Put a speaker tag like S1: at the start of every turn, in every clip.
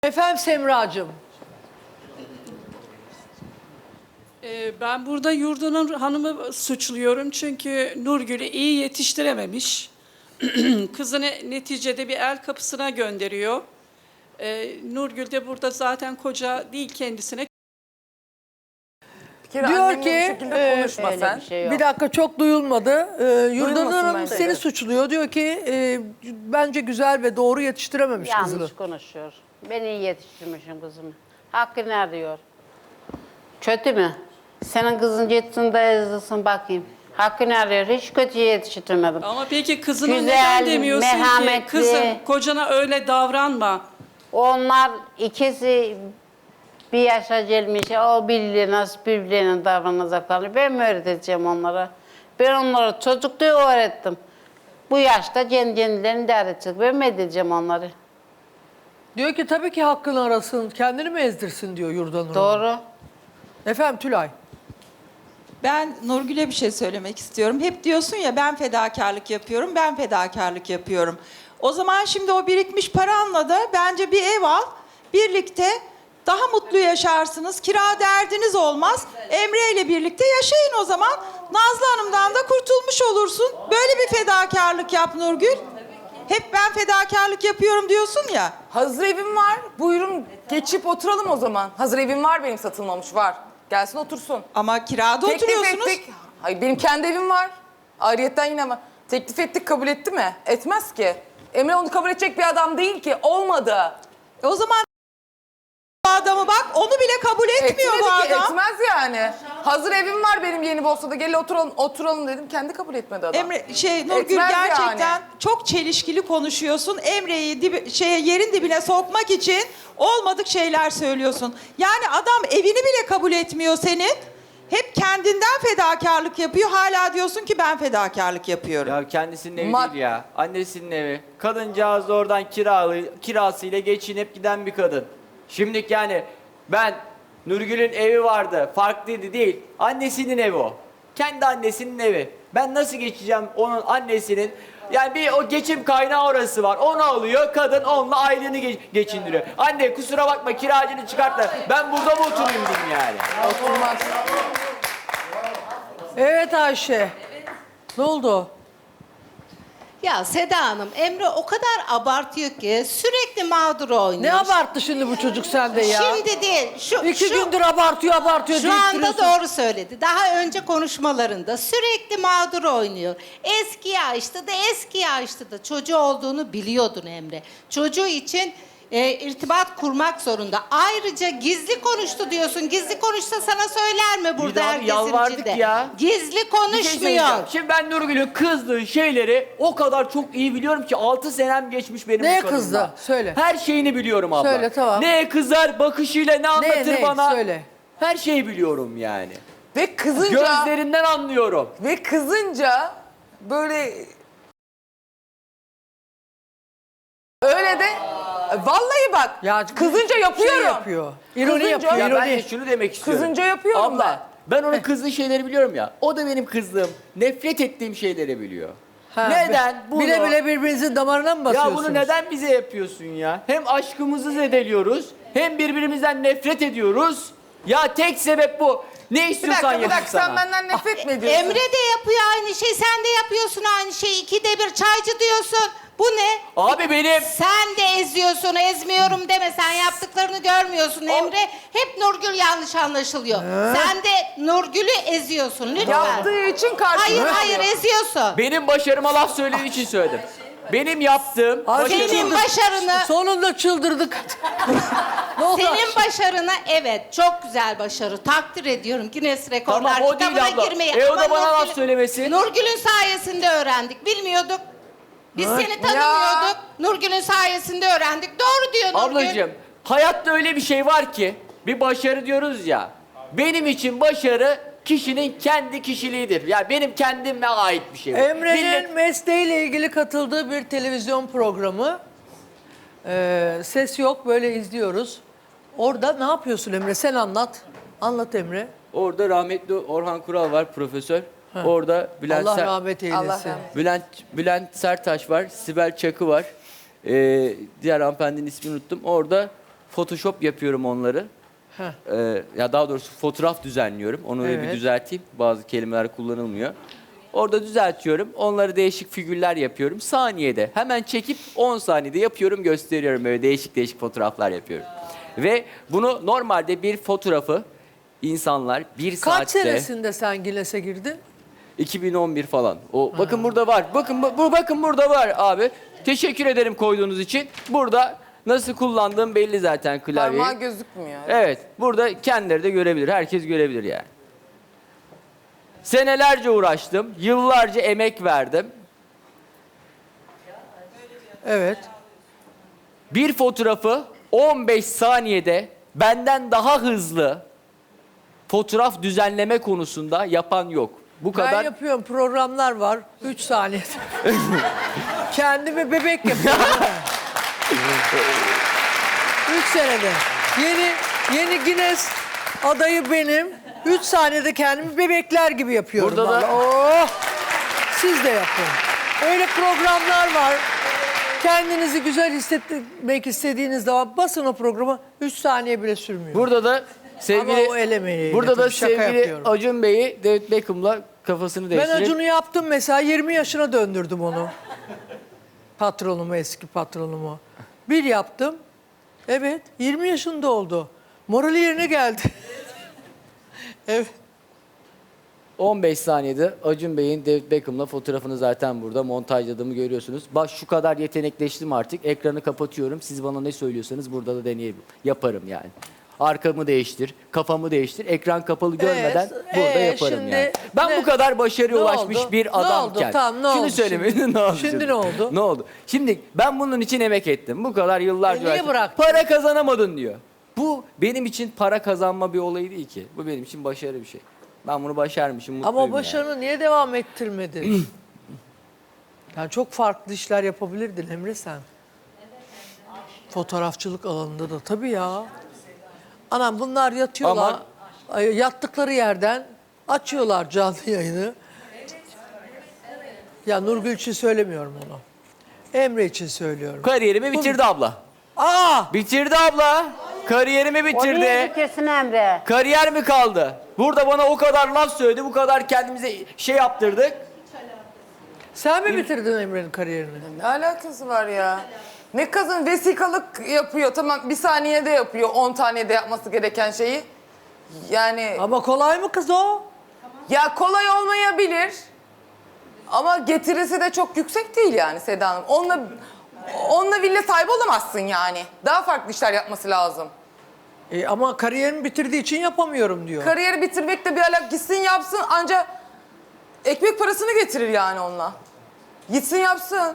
S1: Efendim Semracığım.
S2: Ben burada Yurdun'un hanımı suçluyorum çünkü Nurgül'ü iyi yetiştirememiş. Kızını neticede bir el kapısına gönderiyor. Nurgül de burada zaten koca değil kendisine.
S3: Bir kere
S1: Diyor
S3: annemle
S1: ki,
S3: bu şekilde konuşma
S4: öyle
S3: sen.
S4: bir şey yok.
S1: Bir dakika çok duyulmadı. Yurdan
S3: Duyulmasın
S1: Hanım
S3: bence
S1: seni
S3: de.
S1: suçluyor. Diyor ki bence güzel ve doğru yetiştirememiş kızını.
S4: Yanlış konuşuyor. Ben iyi yetiştirmişim kızımı. Hakkı ne diyor? Kötü mü? Senin kızın yetsin de ezilsin bakayım. Hakkı ne arıyor? Hiç kötü yetiştirmedim.
S2: Ama peki kızına
S4: Güzel,
S2: neden demiyorsun ki
S4: merhametli.
S2: kızım kocana öyle davranma.
S4: Onlar ikisi bir yaşa gelmiş. O birbirine nasıl birbirlerine davranacaklarını ben mi öğreteceğim onlara? Ben onlara çocukluğu öğrettim. Bu yaşta kendilerini de öğretecek. Ben mi edeceğim onları?
S1: Diyor ki tabii ki hakkını arasın. Kendini mi ezdirsin diyor Yurdan Hanım.
S4: Doğru.
S1: Efendim Tülay.
S5: Ben Nurgül'e bir şey söylemek istiyorum. Hep diyorsun ya ben fedakarlık yapıyorum, ben fedakarlık yapıyorum. O zaman şimdi o birikmiş paranla da bence bir ev al, birlikte daha mutlu yaşarsınız. Kira derdiniz olmaz. Emre ile birlikte yaşayın o zaman. Nazlı Hanım'dan da kurtulmuş olursun. Böyle bir fedakarlık yap Nurgül. Hep ben fedakarlık yapıyorum diyorsun ya.
S3: Hazır evim var. Buyurun geçip oturalım o zaman. Hazır evim var benim, satılmamış var. Gelsin otursun.
S5: Ama kirada
S3: Teklif
S5: oturuyorsunuz.
S3: ettik. Hayır, benim kendi evim var. Ayrıyetten yine var. Teklif ettik, kabul etti mi? Etmez ki. Emre onu kabul edecek bir adam değil ki. Olmadı.
S5: O zaman bu adamı bak onu bile kabul etmiyor
S3: Etmedi
S5: bu
S3: ki,
S5: adam.
S3: etmez yani. Hazır evim var benim yeni Bosna'da. Gel oturalım dedim. Kendi kabul etmedi adam.
S5: Nurgül
S3: Etmez
S5: gerçekten
S3: yani.
S5: çok çelişkili konuşuyorsun. Emre'yi yerin dibine sokmak için olmadık şeyler söylüyorsun. Yani adam evini bile kabul etmiyor senin. Hep kendinden fedakarlık yapıyor. Hala diyorsun ki ben fedakarlık yapıyorum.
S6: Ya kendisinin evi
S3: Ma-
S6: değil ya. Annesinin evi. Kadıncağız da oradan kirasıyla geçinip giden bir kadın. Şimdiki yani ben Nurgül'ün evi vardı. Farklıydı değil. Annesinin evi o. Kendi annesinin evi. Ben nasıl geçeceğim onun annesinin? Yani bir o geçim kaynağı orası var. Onu alıyor. Kadın onunla aileni geçindiriyor. Anne kusura bakma kiracını çıkart da ben burada mı oturayım diyeyim yani.
S3: Oturmaz.
S1: Evet Ayşe. Ne oldu?
S7: Ya Seda Hanım, Emre o kadar abartıyor ki sürekli mağdur oynuyor.
S1: Ne abarttı şimdi bu çocuk sende ya?
S7: Şimdi değil.
S1: İki gündür abartıyor
S7: Şu
S1: deyip
S7: anda
S1: duruyorsun.
S7: doğru söyledi. Daha önce konuşmalarında sürekli mağdur oynuyor. Eski yaşta da eski yaşta da çocuğu olduğunu biliyordun Emre. Çocuğu için irtibat kurmak zorunda. Ayrıca gizli konuştu diyorsun. Gizli konuşsa sana söyler mi burada
S6: Bir daha
S7: herkesin
S6: yalvardık
S7: içinde?
S6: ya.
S7: Gizli
S6: Bir şey
S7: konuşmuyor.
S6: söyleyeceğim. Şimdi ben Nurgül'ün kızdığı şeyleri o kadar çok iyi biliyorum ki 6 senem geçmiş benim
S1: Neye
S6: bu kadınla.
S1: kızdı? Söyle.
S6: Her şeyini biliyorum abla.
S1: Söyle, tamam.
S6: Neye kızar, bakışıyla ne anlatır
S1: ne?
S6: bana.
S1: Söyle.
S6: Her şeyi biliyorum yani.
S3: Ve kızınca...
S6: Gözlerinden anlıyorum.
S3: Ve kızınca böyle öyle de vallahi bak
S1: Ya
S3: kızınca yapıyorum.
S1: Şey yapıyor. İroni
S3: Kızınca-
S1: yapıyor.
S6: Ya ben de
S1: ironi.
S6: şunu demek istiyorum.
S3: Kızınca yapıyorum
S6: Abla, ben onun kızdığı şeyleri biliyorum ya. O da benim kızdığım, nefret ettiğim şeyleri biliyor.
S1: Ha,
S6: Neden bunu?
S1: Bile bile birbirinizin damarına mı basıyorsunuz?
S6: Ya bunu neden bize yapıyorsun ya? Hem aşkımızı zedeliyoruz, hem birbirimizden nefret ediyoruz. Ya tek sebep bu. Ne
S3: Bir
S6: istiyorsan
S3: dakika
S6: yapayım
S3: sen
S6: sana.
S3: benden nefret mi ediyorsun?
S7: Emre de yapıyor aynı şey, sen de yapıyorsun aynı şeyi. İkide bir çaycı diyorsun. Bu ne?
S6: Abi benim...
S7: Sen de eziyorsun, ezmiyorum deme. Sen yaptıklarını görmüyorsun Emre. Hep Nurgül yanlış anlaşılıyor. Sen de Nurgül'ü eziyorsun lütfen.
S3: Yaptığı için karşılığı
S7: Hayır eziyorsun.
S6: Benim başarıma laf söylediği için söyledim. Benim yaptığım...
S1: Ayşe
S7: Senin başarını,
S1: Sonunda çıldırdık. Ne oldu?
S7: senin başarını evet çok güzel başarı. Takdir ediyorum. Guinness Rekorlar
S6: Tamam o değil
S7: kitabına
S6: abla.
S7: girmeyi.
S6: O
S7: Ama
S6: da bana laf
S7: Nurgül'ün-
S6: söylemesin.
S7: Nurgül'ün sayesinde öğrendik. Bilmiyorduk. Biz seni tanımıyorduk. Nurgül'ün sayesinde öğrendik. Doğru diyor Nurgül.
S6: Ablacığım hayatta öyle bir şey var ki bir başarı diyoruz ya. Benim için başarı kişinin kendi kişiliğidir. Ya benim kendime ait bir şey. bu.
S1: Emre'nin
S6: Millet-
S1: mesleğiyle ilgili katıldığı bir televizyon programı. Ses yok, böyle izliyoruz. Orada ne yapıyorsun Emre? Sen anlat. Anlat Emre.
S6: Orada rahmetli Orhan Kural var profesör. Orada Bülent,
S1: Allah rahmet eylesin.
S3: Allah rahmet.
S6: Bülent Sertaç var, Sibel Çakı var. Diğer hanımefendinin ismini unuttum. Orada Photoshop yapıyorum onları.
S1: Heh.
S6: Ya daha doğrusu fotoğraf düzenliyorum. Onu öyle bir
S1: Evet.
S6: düzelteyim. Bazı kelimeler kullanılmıyor. Orada düzeltiyorum. Onları değişik figürler yapıyorum. Saniyede. Hemen çekip 10 saniyede yapıyorum, gösteriyorum. Böyle değişik değişik fotoğraflar yapıyorum. Ve bunu normalde bir fotoğrafı insanlar bir
S1: Kaç
S6: saatte...
S1: senesinde sen Guinness'e girdin?
S6: 2011 falan. O bakın burada var. Bakın burada var abi. Teşekkür ederim koyduğunuz için. Burada nasıl kullandığım belli zaten klavyeyi.
S3: Parmağı gözükmüyor.
S6: Evet. Burada kendileri de görebilir. Herkes görebilir yani. Senelerce uğraştım. Yıllarca emek verdim.
S1: Evet.
S6: Bir fotoğrafı 15 saniyede benden daha hızlı fotoğraf düzenleme konusunda yapan yok. Bu
S1: Ben
S6: kadar.
S1: yapıyorum, programlar var. 3 saniye. Kendimi bebek yapıyorum. 3 senede. Yeni Guinness adayı benim. 3 saniyede kendimi bebekler gibi yapıyorum.
S6: Burada da-
S1: vallahi. Oh! Siz de yapın. Öyle programlar var. Kendinizi güzel hissetmek istediğiniz zaman basın o programa, 3 saniye bile sürmüyor.
S6: Burada da sevgili
S1: Ama o el emeğiyle
S6: burada da
S1: tabii şaka
S6: sevgili
S1: yapıyorum.
S6: Acun Bey'i David Beckham'la kafasını
S1: Ben
S6: değiştirip
S1: Acun'u yaptım mesela, 20 yaşına döndürdüm onu. Patronumu, eski patronumu. Bir yaptım. Evet, 20 yaşında oldu. Morali yerine geldi. Evet.
S6: 15 saniyede Acun Bey'in David Beckham'la fotoğrafını zaten burada montajladığımı görüyorsunuz. Bak şu kadar yetenekleştim artık. Ekranı kapatıyorum. Siz bana ne söylüyorsanız burada da deneyebilirim. Yaparım yani. Arkamı değiştir, kafamı değiştir. Ekran kapalı görmeden burada yaparım
S1: şimdi
S6: yani. Ben
S1: ne-
S6: bu kadar başarıya
S1: ne
S6: ulaşmış
S1: oldu?
S6: bir
S1: Ne
S6: adamken.
S1: oldu? Tamam, ne oldu
S6: Şunu söylemeyin.
S1: şimdi?
S6: Ne oldu?
S1: Şimdi ne oldu?
S6: Ne oldu? Şimdi ben bunun için emek ettim. Bu kadar yıllarca
S1: Niye
S6: uğraştım.
S1: bıraktın?
S6: Para kazanamadın diyor. Bu benim için para kazanma bir olay değil ki. Bu benim için başarı bir şey. Ben bunu başarmışım, mutluyum
S1: Ama o
S6: yani.
S1: başarını niye devam ettirmedin? Yani çok farklı işler yapabilirdin Emre sen. Fotoğrafçılık alanında da tabii ya. Anam bunlar yatıyorlar.
S6: Ama-
S1: Yattıkları yerden açıyorlar canlı yayını. Ya Nurgül için söylemiyorum onu. Emre için söylüyorum.
S6: Kariyerimi bitirdi abla.
S1: Aa!
S6: Bitirdi abla. Kariyerimi
S4: O niye
S6: bitirdi.
S4: bitirsin Emre?
S6: Kariyer mi kaldı? Burada bana o kadar laf söyledi, bu kadar kendimize şey yaptırdık.
S1: Sen mi bitirdin Emre'nin kariyerini?
S3: Ne alakası var ya? Ne kadın vesikalık yapıyor. Tamam bir saniyede yapıyor 10 tanede yapması gereken şeyi. Yani
S1: Ama kolay mı kız o?
S3: ya kolay olmayabilir. Ama getirisi de çok yüksek değil yani Seda Hanım. Onunla villa sahibi olamazsın yani. Daha farklı işler yapması lazım.
S1: Ama kariyerimi bitirdiği için yapamıyorum diyor.
S3: Kariyeri bitirmekle bir alak gitsin yapsın ancak ekmek parasını getirir yani onunla. Gitsin yapsın.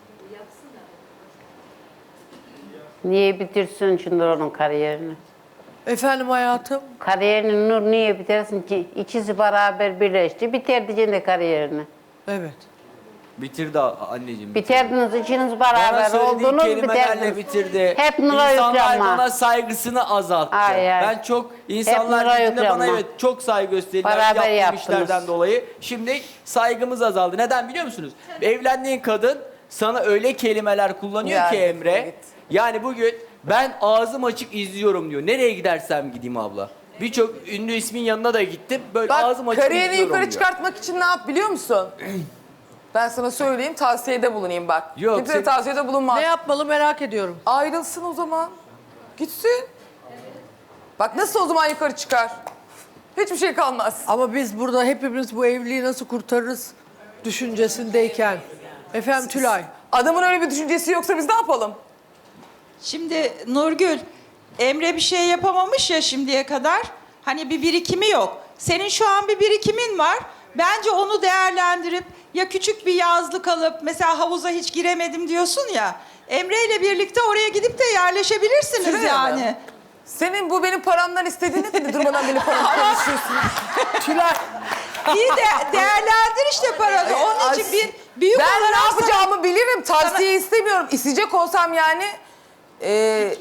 S4: Niye bitirsin şimdi onun kariyerini?
S1: Efendim hayatım?
S4: Kariyerini Nur niye bitirsin ki? İkisi beraber birleşti. Bitirdi şimdi kariyerini.
S1: Evet.
S6: Bitirdi anneciğim.
S4: Bitirdiniz, ikiniz
S6: Bana
S4: beraber
S6: söylediği
S4: oldunuz,
S6: kelimelerle
S4: bitirdiniz.
S6: bitirdi.
S4: Hep Nur'a
S6: İnsanlar
S4: yüklenme.
S6: bana saygısını azalttı.
S4: Ay, ay.
S6: Ben çok
S4: Hep
S6: insanlar
S4: Nur'a
S6: dediğinde bana
S4: yüklenme.
S6: evet çok saygı gösteriyorlar
S4: Beraber
S6: yaptığım
S4: yaptınız.
S6: işlerden dolayı. Şimdi saygımız azaldı. Neden biliyor musunuz? Evlendiğin kadın sana öyle kelimeler kullanıyor
S3: Ya,
S6: ki Emre.
S3: evet.
S6: Yani bugün ben ağzım açık izliyorum diyor. Nereye gidersem gideyim abla. Birçok ünlü ismin yanına da gittim. Böyle ağzım
S3: Bak
S6: açık
S3: kariyerini
S6: izliyorum
S3: yukarı
S6: diyor.
S3: çıkartmak için ne yap biliyor musun? Ben sana söyleyeyim tavsiyede bulunayım bak.
S6: Yok,
S3: Kimse
S6: sen-
S3: tavsiyede bulunmaz.
S1: Ne yapmalı merak ediyorum.
S3: Ayrılsın o zaman. Gitsin. Bak nasıl o zaman yukarı çıkar? Hiçbir şey kalmaz.
S1: Ama biz burada hepimiz bu evliliği nasıl kurtarırız düşüncesindeyken. Efendim Tülay.
S3: Adamın öyle bir düşüncesi yoksa biz ne yapalım?
S5: Şimdi Nurgül, Emre bir şey yapamamış ya şimdiye kadar. Hani bir birikimi yok. Senin şu an bir birikimin var. Bence onu değerlendirip ya küçük bir yazlık alıp mesela havuza hiç giremedim diyorsun ya. Emre ile birlikte oraya gidip de yerleşebilirsiniz
S3: Şuraya
S5: yani.
S3: mı? Senin bu benim paramdan istediğini de durmadan benim paramı konuşuyorsun.
S1: Tülay.
S5: İyi de değerlendir işte paranı. Onun için bir büyük
S3: Ben ne
S5: olarak sana-
S3: yapacağımı bilirim. Tavsiye istemiyorum. İsteyecek olsam yani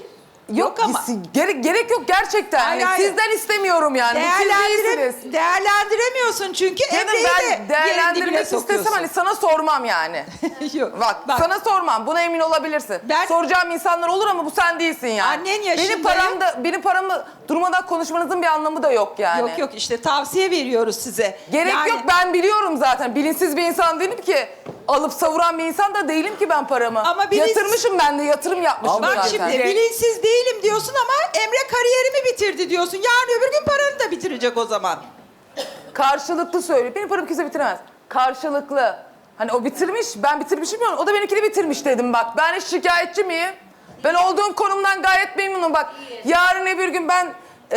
S3: Yok
S5: ama.
S3: gerek yok gerçekten.
S5: Hayır,
S3: Yani
S5: hayır.
S3: sizden istemiyorum yani. Bu siz değilsiniz.
S5: Değerlendiremiyorsun çünkü
S3: Canım
S5: Emre'yi de
S3: ben
S5: yerin
S3: değerlendirmek
S5: dibine
S3: istesem
S5: sokuyorsun.
S3: hani sana sormam yani.
S5: Yok.
S3: Bak sana sormam. Buna emin olabilirsin.
S5: Ben-
S3: Soracağım insanlar olur ama bu sen değilsin yani.
S5: Annen yaşındayım.
S3: Benim paramı durmadan konuşmanızın bir anlamı da yok yani.
S5: Yok yok işte tavsiye veriyoruz size.
S3: Gerek
S5: Yani-
S3: yok, ben biliyorum zaten. Bilinçsiz bir insan değilim ki. Alıp savuran bir insan da değilim ki ben paramı.
S5: Ama
S3: Yatırmışım ben de, yatırım yapmışım
S6: Ama
S5: Bak
S3: zaten.
S5: şimdi bilinçsiz değilim diyorsun ama Emre kariyerimi bitirdi diyorsun. Yarın öbür gün paranı da bitirecek o zaman.
S3: Karşılıklı söylüyor. Benim paramı kimse bitiremez. Karşılıklı. Hani o bitirmiş, ben bitirmişim ya. O da benimkini bitirmiş dedim bak. Ben hiç şikayetçi miyim? Ben olduğum konumdan gayet memnunum bak. Yarın öbür gün ben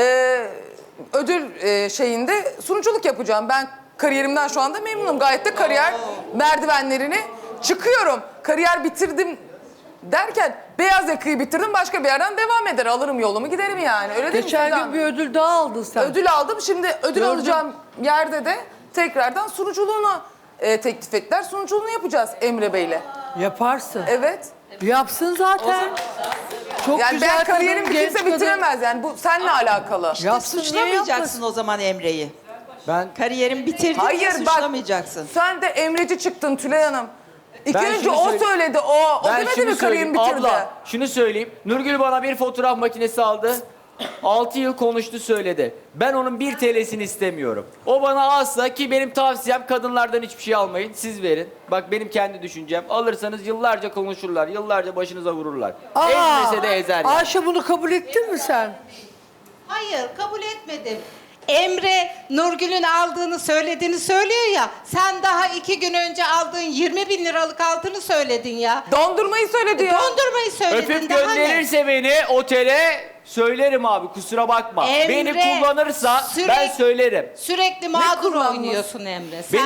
S3: ödül şeyinde sunuculuk yapacağım. Ben kariyerimden şu anda memnunum. Gayet de kariyer merdivenlerini çıkıyorum. Kariyer bitirdim derken beyaz yakayı bitirdim, başka bir yerden devam eder. Alırım yolumu giderim yani. Öyle değil mi
S1: Geçen
S3: Seda
S1: gün bir ödül daha aldın sen.
S3: Ödül aldım. Şimdi ödül
S1: Gördüm.
S3: alacağım yerde de tekrardan sunuculuğunu teklif ettiler. Sunuculuğunu yapacağız Emre Bey'le.
S1: Yaparsın.
S3: Evet.
S1: Yapsın zaten. Çok
S3: Yani
S1: güzel
S3: ben
S1: kadın,
S3: kariyerimi
S1: genç
S3: kimse
S1: kadın.
S3: bitiremez yani. Bu seninle alakalı.
S1: Yapsın, niye
S5: Suçlamayacaksın
S1: yapmasın?
S5: o zaman Emre'yi.
S6: Ben
S5: Kariyerim bitirdi diye
S3: Hayır bak,
S5: suçlamayacaksın.
S3: sen de Emreci çıktın Tülay Hanım. İlk
S6: Ben
S3: önce
S6: şunu
S3: o
S6: söyleyeyim.
S3: söyledi. O
S6: Ben
S3: demedi
S6: şunu
S3: mi kariyerimi
S6: söyleyeyim.
S3: bitirdi?
S6: Abla şunu söyleyeyim. Nurgül bana bir fotoğraf makinesi aldı. 6 yıl konuştu söyledi. Ben onun 1 TL'sini istemiyorum. O bana alsa, ki benim tavsiyem kadınlardan hiçbir şey almayın. Siz verin. Bak benim kendi düşüncem. Alırsanız yıllarca konuşurlar. Yıllarca başınıza vururlar. Ezmese de ezer yani.
S1: Ayşe bunu kabul ettin mi sen?
S7: Hayır, kabul etmedim. Emre Nurgül'ün aldığını söylediğini söylüyor ya. Sen daha 2 gün önce aldığın 20 bin liralık altını söyledin ya.
S3: Dondurmayı söyledi ya.
S7: Dondurmayı söyledin.
S6: Öpüp
S7: daha ne?
S6: gönderirse beni otele söylerim abi, kusura bakma.
S7: Emre,
S6: Beni kullanırsa ben söylerim.
S7: Sürekli mağdur
S3: kullanması?
S7: oynuyorsun Emre. Sen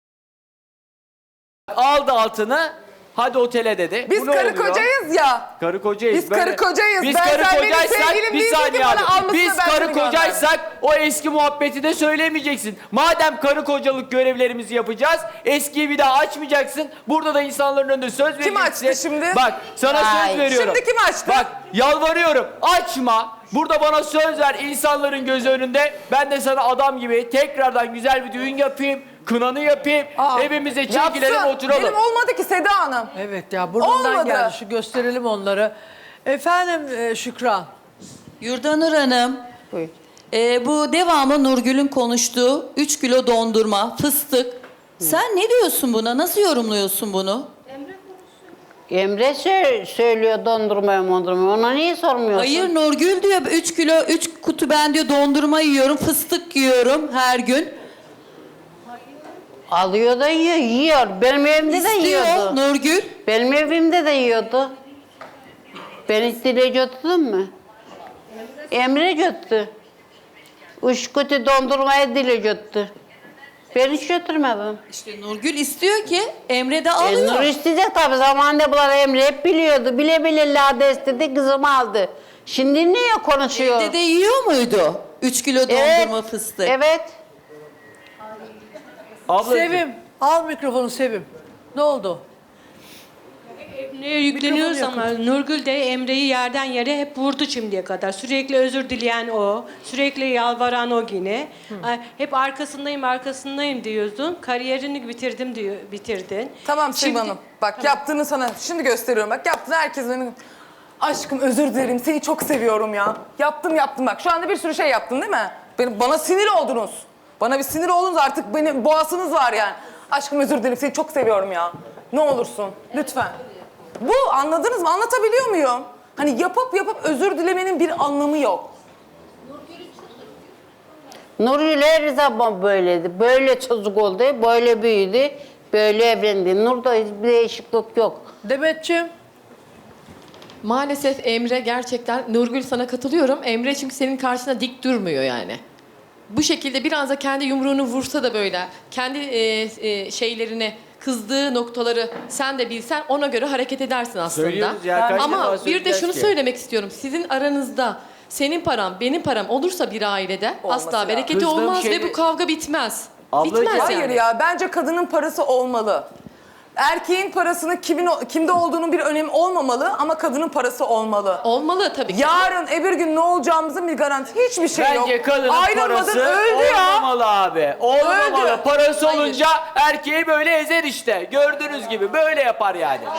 S6: Aldı altını, hadi otele dedi.
S3: Biz
S6: Bu ne
S3: karı
S6: oluyor?
S3: kocayız ya.
S6: Karı kocayız.
S3: Biz karı kocayız.
S6: Biz
S3: Ben-
S6: karı
S3: sen benim
S6: kocaysak
S3: sevgilim
S6: bir
S3: değildin ki
S6: saniye
S3: bana
S6: abi.
S3: almasını
S6: Biz
S3: ben
S6: karı
S3: seni
S6: kocaysak o eski muhabbeti de söylemeyeceksin. Madem karı kocalık görevlerimizi yapacağız, eskiyi bir daha açmayacaksın. Burada da insanların önünde söz vereceksin.
S3: Kim açtı şimdi?
S6: Bak sana
S7: Ay.
S6: söz veriyorum.
S3: Şimdi kim açtı?
S6: Bak yalvarıyorum, açma. Burada bana söz ver insanların gözü önünde. Ben de sana adam gibi tekrardan güzel bir düğün yapayım. Kınanı yapayım. Evimize çekilelim,
S3: Yapsın.
S6: oturalım.
S3: Benim olmadı ki Seda Hanım.
S1: Evet ya burnundan
S3: Olmadı.
S1: geldi. Şu gösterelim onları. Efendim Şükran.
S8: Yurdanur Hanım,
S4: Buyur.
S8: bu devamlı Nurgül'ün konuştuğu 3 kilo dondurma, fıstık. Sen ne diyorsun buna? Nasıl yorumluyorsun bunu?
S4: Emre söylüyor dondurmaya. Ona niye sormuyorsun?
S8: Hayır, Nurgül diyor 3 kilo, 3 kutu ben diyor dondurma yiyorum, fıstık yiyorum her gün.
S4: Alıyor da yiyor. Benim evimde de
S8: İstiyor
S4: yiyordu.
S8: Nurgül.
S4: Benim evimde de yiyordu. Ben hiç dile götürdüm mü? Emre götürdü. 3 kutu dondurmaya dile götürdü. Ben hiç götürmedim.
S8: İşte Nurgül istiyor ki Emre de
S4: Nur
S8: alıyor.
S4: isteyecek tabii. Zamanında bunlar Emre hep biliyordu. Bile bile lade istedi, kızımı aldı. Şimdi niye konuşuyor?
S8: Evde de yiyor muydu? 3 kilo dondurma, fıstık.
S4: Evet.
S6: Ablacığım.
S1: Sevim. Al mikrofonu Sevim. Ne oldu?
S9: Neye yükleniyoruz
S1: Mikrofonu
S9: ama Nurgül de Emre'yi yerden yere hep vurdu şimdiye kadar. Sürekli özür dileyen o, sürekli yalvaran o yine. Ay, hep arkasındayım diyordun. Kariyerini bitirdim diyor, bitirdin.
S3: Tamam Sevim
S9: Şimdi-
S3: Hanım. Bak yaptığını sana şimdi gösteriyorum. Bak yaptığını herkes benim. Aşkım özür dilerim. Seni çok seviyorum ya. Yaptım bak. Şu anda bir sürü şey yaptın değil mi? Bana sinir oldunuz. Bana bir sinir oldunuz artık. Benim boğasınız var yani. Aşkım özür dilerim. Seni çok seviyorum ya. Ne olursun. Lütfen. Bu anladınız mı? Anlatabiliyor muyum? Hani yapıp özür dilemenin bir anlamı yok.
S4: Nurgül her zaman böyleydi. Böyle çocuk oldu, böyle büyüdü, böyle evlendi. Nur'da hiçbir değişiklik yok.
S1: Demetciğim.
S10: Maalesef Emre gerçekten, Nurgül sana katılıyorum. Emre çünkü senin karşına dik durmuyor yani. Bu şekilde biraz da kendi yumruğunu vursa da böyle, kendi şeylerini, kızdığı noktaları sen de bilsen ona göre hareket edersin aslında.
S6: Söylüyoruz ya, kaç defa
S10: Ama bir de
S6: söyleyeceğiz
S10: şunu
S6: ki?
S10: söylemek istiyorum. Sizin aranızda senin param, benim param olursa bir ailede
S3: Olması
S10: asla
S3: lazım.
S10: bereketi
S6: Kızdığım
S10: olmaz
S6: şey-
S10: ve bu kavga bitmez.
S6: Ablacığım-
S10: Bitmez
S3: Hayır
S10: yani.
S3: ya bence kadının parası olmalı. Erkeğin parasının kimde olduğunun bir önemi olmamalı ama kadının parası olmalı.
S10: Olmalı tabii ki.
S3: Yarın öbür gün ne olacağımızın bir garantisi hiçbir şey yok.
S6: Bence kadının
S3: Ayrılmadın,
S6: parası
S3: öldü ya.
S6: olmamalı abi. Olmamalı.
S3: Öldü.
S6: Parası
S10: Hayır.
S6: olunca erkeği böyle ezer işte. Gördüğünüz gibi böyle yapar yani.